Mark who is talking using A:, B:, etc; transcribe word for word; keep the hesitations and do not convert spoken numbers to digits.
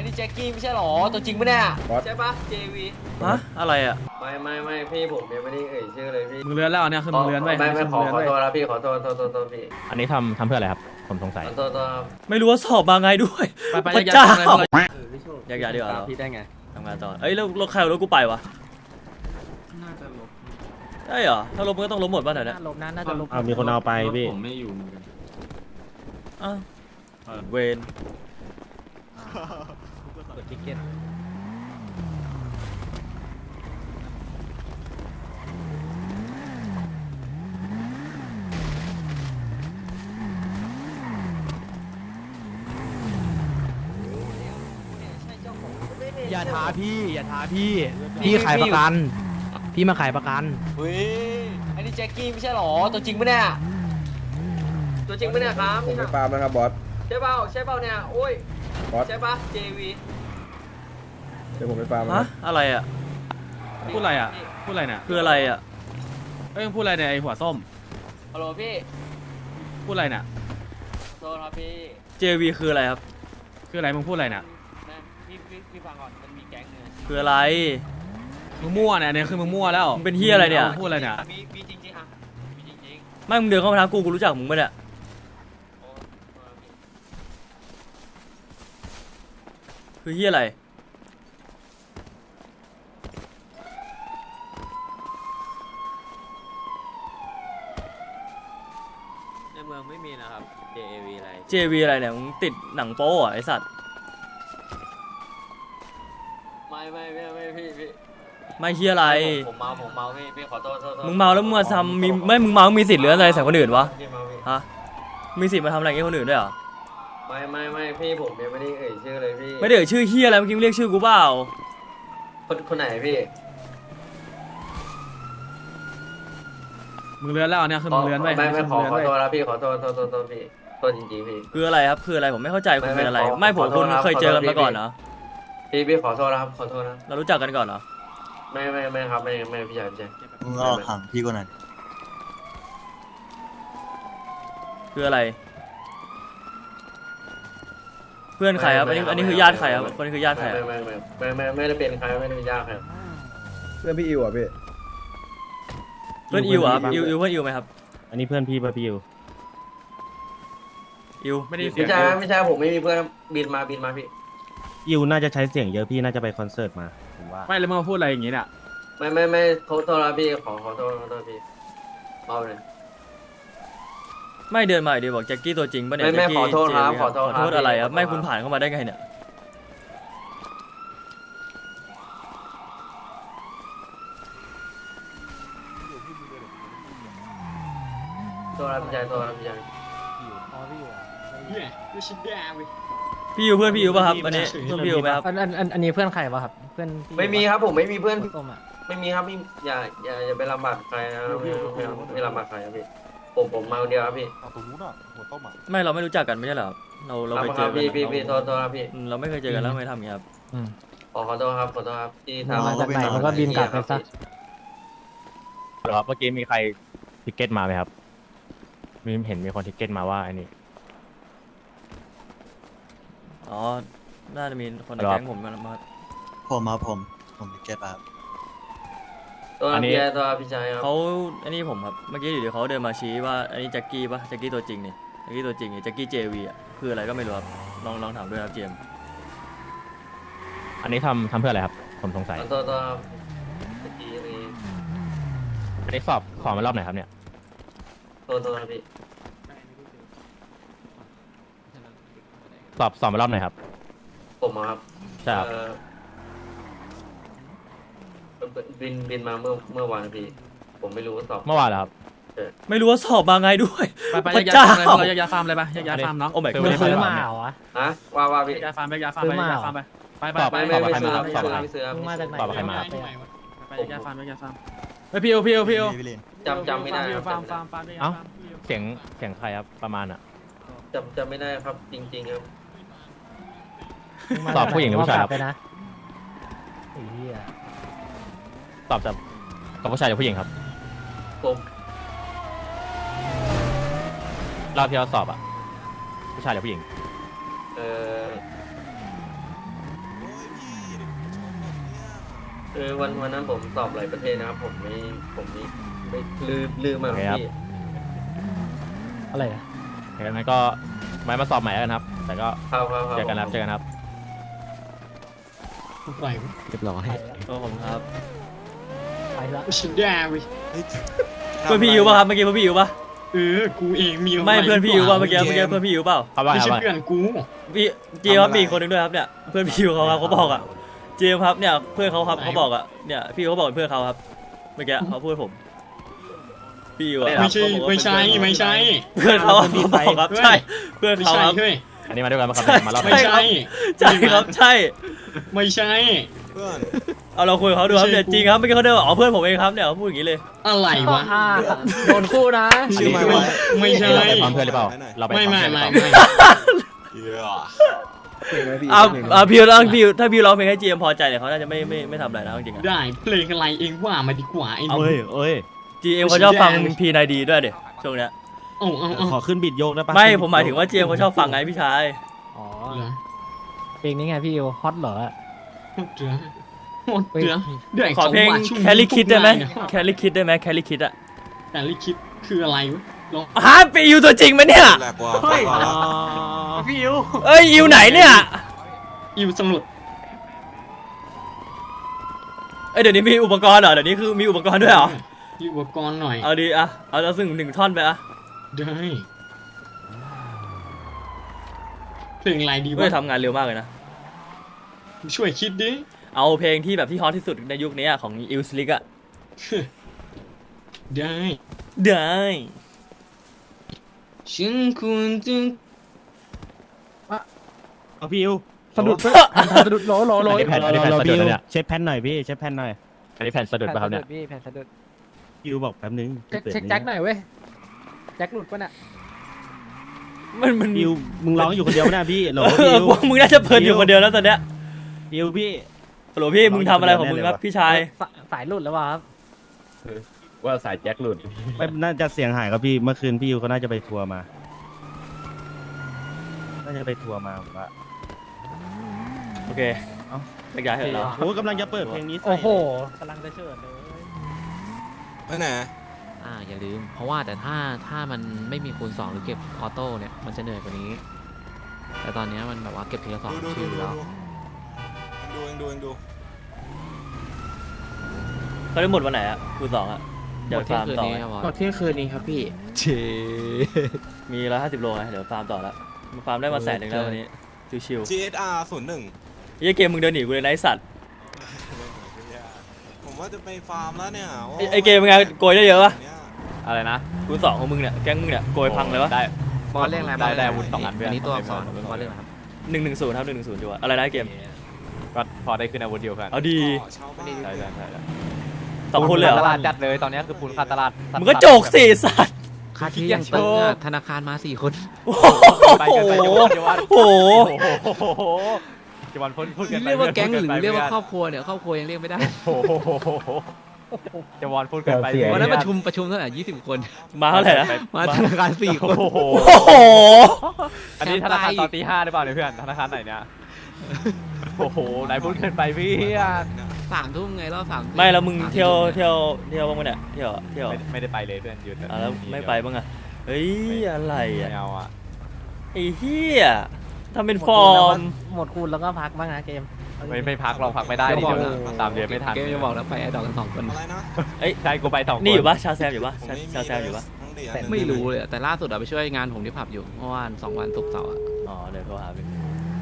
A: นี่แจ็คกี้ไม่ใช่หรอตัวจริงปะเนี่ยใช่ปะ เจ วี
B: ฮะอะไรอ่ะ
A: ไม่ไม่ไม่พี่ผมยังไม่ได้เอ่ยชื่อเลยพี่
C: มึงเลื้อนแล้วเนี่ยคือมึงเลื้อนไป
A: ไม่ไม่ขอขอ
C: มึง
A: โท
C: เลื้
A: ษ
C: น
A: แล้วพี่ขอโทษโทษโทษโทษพี่
D: อันนี้ทำทำเพื่ออะไรครับ ผมสงสัย
A: ขอโทษโทษครับ
B: ไม่รู้ว่าสอบมาไงด้วย
C: ไปไป
B: พระ
C: ยัด
B: เจ้า
C: ยัดเลย
B: อยากอยากดีกว่าเรา
A: พี่ได้ไง
B: ทำงานต่อเอ้ยแล้วรถใครเอารถกูไปวะ
C: น่าจะลบ
B: ใช่เหรอถ้าลบมันก็ต้องลบหมดป่ะแถวเนี้ย
E: ลบนะน่าจะลบ
D: อ้าวมีคนเอาไปพี่
C: ผมไม่อยู่เหมือนกัน
B: อ้าวเวน
E: กดทิเก็ตอย่าท้าพี่อย่าท้าพี่พี่ขายประกันพี่มาขายประกัน
A: เฮ้ยอันนี้แจ็คกี้ไม่ใช่หรอตัวจริงปะเนี่ยตัวจริงปะเนี่ยครับ
F: ผมไปฟาร์มนะครับบอส
A: ใช่เปล่าใช่เปล่าเนี่ยโอ้ย
F: บอส
A: ใช่ปะ เจ วี
F: เดี๋ยวผมไปฟาร์มนะค
B: ฮะ
F: รับ
B: อะไรอ่ะ
C: พูดอะไรอ่ะพูดอะไรเนี่ย
B: คืออะไรอ่ะ
C: เอ้ยมึงพูดอะไรเนี่ยไอหัวส้ม
A: ฮัลโหลพี่
C: พูดอะไรเนี่ย
A: โทษครับพี่
B: เจ วี คืออะไรครับ
C: คืออะไรมึงพูดอะไรเนี่ย
A: นะพี่พี่พี่ฟังก่อนมันมีแก๊งหนึง
B: คืออะไร
C: มึงมั่วเนี่ยเนี่ยคือมึงมั่วแล้ว
B: มึงเป็นเหี้ยอะไรเนี่ย
C: มึงพูดอะไรเนี่ย
A: มีมีจริงๆอ่ะมีจริง
B: ไม่มึงเดินเข้ามาทางกูกูรู้จักมึงปะเนี่ย
A: ๆโอ้โทษครับพี่
B: คือเฮียอะไร
A: ในเมืองไม่มีนะครับ เจ วี อะไร
B: เจ วี อะไรเนี่ยมึงติดหนังโป๊อ่ะไอสัตว์
A: ไม่ไม่ไม่ไม่พี่พี่
B: ไม่เฮียอะไร
A: ผมผมเมาผมเมาพี่พี่ขอโทษโทษโทษ
B: มึงเมาแล้วมึงมาทำมีไม่มึงเมามึงมีสิทธิ์หรืออะไรใส่คนอื่นวะ
A: พี่เมาพี่
B: ฮะมีสิทธิ์มาทำอะไรกับคนอื่นด้วยเหรอ
A: ไม่ไม่ไม่พี่ผมยังไม่ได้เอ่ยชื่อเลยพี่
B: ไม่ได้เอ่ยชื่อเฮียอะไรเมื่อกี้มึงเรียกชื่อกูเปล่า
A: คนคนไหนพี่
C: มึงเลื้อนแล้วเนี่ยคือมึงเลื้อนไป
A: ไม่ไม่ขอ
C: มึง
A: ขอ
C: เลื้อน
A: โท
C: ไป
A: ษแล้วพี่ขอโทษโทษโทษโทษพี่โทษจริงๆพี่
B: คืออะไรครับคืออะไรผมไม่เข้าใจคุณ
A: ไม่
B: เป็นอะไร
A: ไม่ขอ
B: ไม่ผม
A: ขอโท
B: คุ
A: ษ
B: ณ
A: ครับ
B: เคยเจอกัน
A: ขอโทษ
B: มาก่อน
A: พี่
B: เนาะ
A: พี่พี่ขอโทษนะครับขอโทษนะ
B: เรารู้จักกันก่อนเหรอ
A: ไม่ไม่ไม่ครับไม่ไม่พี่ชายพี่ชาย
G: มึงเอาขังพี่กูหน่อย
B: คืออะไร เพื่อนใครครับอันนี้อันนี้คือญาติใครครับคนนี้คือญาติใคร
A: ไม่
B: อะ
A: ไม่ไม่ไม่ไม่ไม่ได้เป็นใครไม่ได้เป็นญาติใคร
F: เพื่อนพี่อิวอ่ะพี่
B: เพื่อนอิวเหรอครับอิวอิวเพื่อนอิวไหมครับ
D: อันนี้เพื่อนพี่ป่ะพี่ยู
B: อิว
C: ไม่ได้ยินเสีย
A: ไม่
C: ง
A: ใช่ไม่ใช่ผมไม่มีเพื่อนบินมาบินมาพี่
D: ยูน่าจะใช้เสียงเยอะพี่น่าจะไปคอนเสิร์ตมาผมว่า
C: ไม่แล้วมึงมาพูดอะไรอย่างงี้เนี่ย
A: ไม่ไม่ไม่ขอโทษนะพี่ขอขอโทษขอโทษพี่เมาเลย
B: ไม่เดินมาอีกดีบอกแจ็คกี้ตัวจริงปะเนี่ย
A: ไม่ไม่
B: แจ็คกี้
A: ขอโทษครับ
B: เจวี
A: ขอโทษ
B: ขอโทษ
A: ครับ
B: อะไรครับ
A: ขอโทษ
B: ไม่คุณผ่านเข้ามาได้ไงเนี่ย
A: ตัวรับพี่ชายตัวรับพี่ชาย
E: อ๋อพี่อยู่อ่ะ
B: พี่อิวเพื่อนพี่อิวป่ะครับอันนี้เพื่อนพี่อิวไหมครับ
E: อันอันอันอันนี้เพื่อนใครวะครับเพื่อนพี่
A: ไม่มีครับผมไม่มีเพื่อน
E: หัวส้มอ่ะ
A: ไม่มีครับพี่อย่าอย่าอย่าไปลำบากใครนะไม่ไม่ไม่ลำบากใครครับพี่ผมผมมาคนเดียวครับพี่
G: ตรงนู้นอ่ะหัวต้มอ่ะ
B: ไม่เราไม่รู้จักกันไม่ใช่เหรอครับเราเราเคย
A: ลำบาก
B: เจ
A: ครั
B: อบ กัน
A: พี่พี่
B: เรา
A: พี่โทษโทษครับพี่
B: อืมเราไม่เคยเจอกันแล้วไม่ทำอย่างนี้ครับ
A: ขอขอโทษครับขอโทษครับที่ทำ
E: มาจากไหนมันก็บินกลับไปซะ
D: เหรอครับเมื่อกี้มีใครทิกเก็ตมาไหมครับมีเห็นมีคนทิกเก็ตมาว่าอันนี้
B: อ๋อน่าจะมีคนใน
D: ครับ
B: แก๊งผมมามา
G: ผมมาผมผมติเก็ตครับ
A: ตัวรับพี่ชายตัวรับพี่ชายครับ
B: เขาอันนี้ผมครับเมื่อกี้อยู่ดีเขาเดินมาชี้ว่าอันนี้แจ็คกี้ป่ะแจ็คกี้ตัวจริงนี่แจ็คกี้ตัวจริงนี่แจ็คกี้เจวีอ่ะคืออะไรก็ไม่รู้ครับลองลองถามด้วยครับเจมส์
D: อันนี้ทำทำเพื่ออะไรครับ ผมสงสัย
A: ขอโทษตัวครับเมื่อกี้นี่
D: อันนี้สอบขอมารอบไหนครับเนี่ย
A: โทษโทษครับพี่
D: สอบสอบมารอบไหนครับ
A: ผมอะครับ
D: ใช่ครับ
A: เอ่อบินบินมาเมื่อเมื่อวานครับพี่ ผมไม่รู้ว่าสอบ
D: เมื่อวานเหรอครับ
B: ไม่รู้ว่าสอบมาไงด้วย
C: ไปไป
B: พระ
C: ยัด
B: เจ้า
C: ฟาร์มเลยเรายัดยาฟาร์มเลยไปยัดยาฟาร์มน้อง
B: โอ้ my
E: มึง
B: god
E: ซื้อมาเหรอวะ
A: ฮะว่าว่าพี่
C: ยัดยาฟาร์มไปยาฟาร์มไปยาฟาร์มไปไปไปไป
A: ไม่
C: ไป
A: ไม่
C: ไป
A: ไม่
C: ไป
A: ซื้อ
C: ไป
A: ไม่ซื้อไม่ซื้อ
E: มึงมาจากไหน
D: ตอบใครมา
C: ไปยัดยาฟาร์มไปยาฟาร์มไปพิวพิวพิว
G: พี่ลิน
A: จำจำไม่ได้
C: พิ
A: คว รับ
C: ฟาร์ม
A: จำ
C: ฟาร์มฟาร์ม
D: เอ้า เสียงเสียงใครครับประมาณอ่ะ
A: จำจำไม่ได้ครับจริงๆครับ
E: มึงมา
D: ตอบผู้หญิงหรือผู้ชายครับ
E: ไปนะไอ้เหี้ย
D: ตอบจากกับผู้ชายหรือผู้หญิงครับ
A: ผม
D: รอบที่เราสอบอ่ะผู้ชายหรือผู้หญิง
A: เอ่อคือวันวันนั้นผมสอบหลายประเทศนะครับผมไม่ผมไม่ไม่ลืมลืมมาครับพี่
E: อะไรนะ
D: งั้นก็ไม้มาสอบใหม่แล้วกันครับ แต่ก็
A: ครับครับครับ
D: เจอกันครับเจอกันครับ
C: ไหว
E: เรียบร้อย
B: ก็ผมครับ
E: ไปละ
C: ฉันได้เว้ย
B: เพื่อนพี่อยู่ป่ะครับเมื่อกี้เพื่อนพี่อยู่ป่ะ
C: เออกูเองมี
B: ไม่เพื่อนพี่อยู่ป่ะเมื่อกี้เมื่อกี้เพื่อนพี่อยู่เปล่า
D: เขาว่า
C: ไม่
D: ไง
C: ใช่
D: ว่า
C: เพื่อนกู
B: พี่เจมส์ครับมีอีกคนหนึ่งด้วยครับเนี่ยเพื่อนพี่อยู่เขาครับเขาบอกอ่ะเจมส์ครับเนี่ยเพื่อนเขาครับเขาบอกอ่ะเนี่ยพี่เขาบอกเป็นเพื่อนเขาครับเมื่อกี้เขาพูดผมพี่อยู่อะ
C: ไม่ใช่ไม่ใช่ไม่ใช่
B: เพื่อนเขาเขาบอกครับใช่เพื่อน
C: ไม่
B: เขา
C: ใช่
B: ครับ
C: เฮ้ย
D: อันนี้มาด้วยกันมาครับมาเล่า
C: ไม่ใช่
B: ใช่ครับใช่
C: ไม่ใช่
G: เพื่อน
B: เอาเราคุยกับเขาดูครับเนี่ย
C: ไม่ใช่
B: จริงครับเมื่อกี้เขาเดินบอกอ๋อเพื่อนผมเองครับเนี่ยเขาพูดอย่างนี้เลย
C: อะไรวะ
E: โดนคู่นะ
G: ชื่อไม่ไว้
C: ไม่ใช่
D: เราไปพร้อมเพื่อนหรือเปล่าเราไป
C: ไม่
D: พร้อ
C: ไม่
D: เพื่อนหรือ
C: ไม่
D: เปล่า
C: ไม่
G: เยอะ
F: เพลงไหมพี่
B: อ่า
F: เพลงไหม
B: อ่าพี่ร้องพี่ถ้าพี่ร้องเพลงให้เจมส์พอใจเนี่ยเขาน่าจะไม่ไม่ไม่ทำอะไรนะจริงๆอะ
C: ได้เพลงอะไรเองว่ามาดีกว่าไอ้ห
D: เอา
C: นุ่ม
D: เอ้ยเอ้ย
B: จีเอ็มเขาชอบฟังพีนายดีด้วยเดี๋ยวช่วงเนี้ย
C: เอาเอาเอา
E: ขอขึ้นบิดโยกได้ปะ
B: ไม่ผมหมายถึงว่าเจมส์เขาชอบฟังไงพี่ชาย
E: อ๋อ
C: เหรอ
E: เพลงนี้ไงพี่ฮอตเหรอ
C: หมดเหรอหมดเหรอเดี๋ยว
B: ขอเพลง
C: สบาทช่ว
B: แคลรี่คิดได้ไหม
C: ทุกราย
B: แคลรี่คิดได้ไหมแคลรี่คิดอะ
C: แคลรี่คิดคืออะไรวะลอง
B: ฮะไปอิวตัวจริงไหมเนี่ย
G: แหลกกว่าเฮ้ย
E: พี่อิว
B: เอ้ยอิวไหนเนี่ย
C: อิวสมุด
B: เอ้ยเดี๋ยวนี้มีอุปกรณ์เหรอเดี๋ยวนี้คือมีอุปกรณ์ด้วยเหรอ
C: มีอุปกรณ์หน่อย
B: เอาดีอะเอาเอาซึ่งหนึ่งท่อนไปอะ
C: ได้เพลงอะไรดี
B: เฮ้
C: วะ
B: ยทำงานเร็วมากเลยนะ
C: ช่วยคิดดิ
B: เอาเพลงที่แบบที่ฮอตที่สุดในยุคนี้อะของอิวสลิกอะ
C: ได้
B: ได้
C: ฉันควรจะ
E: เอาพี่อิวสะดุดสะดุดโหลโหลโหล
D: อันนี้แผ่นอันนี้แผ่นสะดุดแล้วเนี่ย
E: เช็คแผ่นหน่อยพี่เช็คแผ่นหน่อย
D: อันนี้แผ่นสะดุดป่ะครับเนี่ย
E: พี่แผ่นสะดุด
H: ยูบอกแป๊บนึง
E: เช็คเช็คแจ็คหน่อยเว้ยแจ็คหลุดปะเนี่ย
B: มันมัน
H: ยูมึงร้องอยู่คนเดียวนะพี่โหล
B: เอ
H: พี่
B: อ
H: ยู
B: พวกมึงน่าจะเพลินอยู่คนเดียวแล้วตอนเนี้ย
H: ยูพี่
B: ฮัลโหลพี่มึงทำอะไรของมึงครับพี่ชาย
E: สสายหลุดแล้วเปล่าครับ
D: ว่าสายแจ็คหลุด
H: ไม่น่าจะเสียงหายครับพี่เมื่อคืนพี่ยูเขาน่าจะไปทัวร์มา น่าจะไปทัวร์มาผมว่า
B: โอเค
H: เอ้า
B: แยกย้ายเถอะเรา
H: โอ้กำลังจะเปิดเพลงนี้ใส่
E: โอ้โหกำลังจะเชิญเลย
G: ไปไหน
I: อ่าอย่าลืม เพราะว่าแต่ถ้าถ้ามันไม่มีคูณสองหรือเก็บออโต้เนี่ยมันจะเหนื่อยกว่านี้ แต่ตอนเนี้ยมันแบบว่าเก็บทีละสอง
G: ดูดู
I: ชื่
G: ดู
I: อ
G: ดู
I: แล้ว
G: ดูเองดูเองดู
B: เขาได้หมดวันไหนอะคูณสองอะ
I: ห
B: เดี๋ย
I: ม
B: ว
I: ดเที่ย
B: ฟาง ร์ม
I: คืน
B: ต่อ
I: นี้
B: ไหม
I: ครับบอส
C: ตอนเที่ยงคืนนี้ครับพี่
I: เช
B: มีร้อยห้าสิบโลไงเดี๋ยวฟาร์มต่อละมาฟาร์มได้มาแสนหนึ่งแล้ววันนี้ชิว
G: จี เอส อาร์ ศูนย์หนึ่ง
B: ๆยี่เกมมึงเดินหนีกูเลยนะไอสัตว์
G: ผมว่าจะไปฟาร์มแล้วเนี่ยโ
B: ไอ้ไอเกมมึงไงโกยได้เยอะปะ
G: เนี่ย
D: อะไรนะ
B: คูณสองของมึงเนี่ยแก๊งมึงเนี่ยโกยพังเลยวะ
D: ได้
I: บอสเรียกอะไร
D: ได้ได้อาวุธสองอันเพื่อน
I: อันนี้ตัวอักษรบอสเรียกอะไรครับ
B: หนึ่งหนึ่งศูนย์ครับหนึ่งหนึ่งศูนย์อยู่อะอะไรนะไอ้เกม
D: ก็พอได้ขึ้นอาวุธเดียวกัน
B: เอาดี
G: ก็เช่าบ้าน
D: ใช่ใช่ใช่ใช่
B: สองคนเลยเหร
D: ต
B: อ
D: ลาดจัดเลยตอนนี้คือปูนขาดตลาด
B: มึงก็โจกสิสัตว์
I: ค่าที่ยังตึงอะธนาคารมาสี่คน
B: โอ้
D: ไป
B: โห
D: กันไปจังหวัดจังหวัด
B: โอ้โห
D: โอ้โหจังหวัดพ้นพูดกันไป
I: เรียกว่าแก๊งห
D: พูด
I: รือ
D: ไป
I: เรียกว่า
D: พื่น
I: ครอบครัวเนี่ยครอบครัวยังเรียกไม่ได้
D: โอ้โหจังหวัดพูดกันไป
I: วันนั้นประชุมประชุมเท่าไหร่ยี่สิบคน
B: มาเท่าไหร่นะ
I: มาธนาคารสี่คน
D: โอ้โห
B: โอ้โห
D: อันนี้ธนาคารตอนตีห้าหรือเปล่าเนี่ยเพื่อนธนาคารไหนเนี่ยโอ้โหนายพูดเกินไปพี่อะ
I: สามทุ่มไงรอบสามทุ่
B: ไม่แล้วมึง
I: สา
B: เที่ยว
I: ทุ่ม
B: เที่ยวเที่ยวบ้างไหมเนี่ยเที่ยวเที่ยว
D: ไม่ไม่ได้ไปเลยเพื่อนหยุด
B: อ่ะแล้วไม่ไปบ้างอะเฮ้ยอะไร
D: ไม่
B: อะ
D: เอาอ่ะ
B: ไอ้เหี้ยทำเป็นฟอร์ม
E: หมดคูณแล้วก็พักบ้างนะเกม
D: ไม่ไม่พักเราพักไม่ได้ดิเดี๋ยวนะตามเดือนไม่ทัน
I: เกมจะบอกแล้วไปไอ้ดอกกันสองคน
G: อะไรนะ
B: เอ้ย
D: ใช่กูไปสองคน
B: นี่อยู่ปะชาแซมอยู่ปะ
G: ผม
B: ชา
G: ไม่มี
B: ชาแซมอยู่ปะ
G: ทั้งเดือน
I: ไม่รู้เลยอะแต่ล่าสุดอะไปช่วยงานผมที่ผับอยู่เมื่อวานสองวันศุกร์เสาร์อะ
B: อ๋อเดี๋ยวโทรหาไป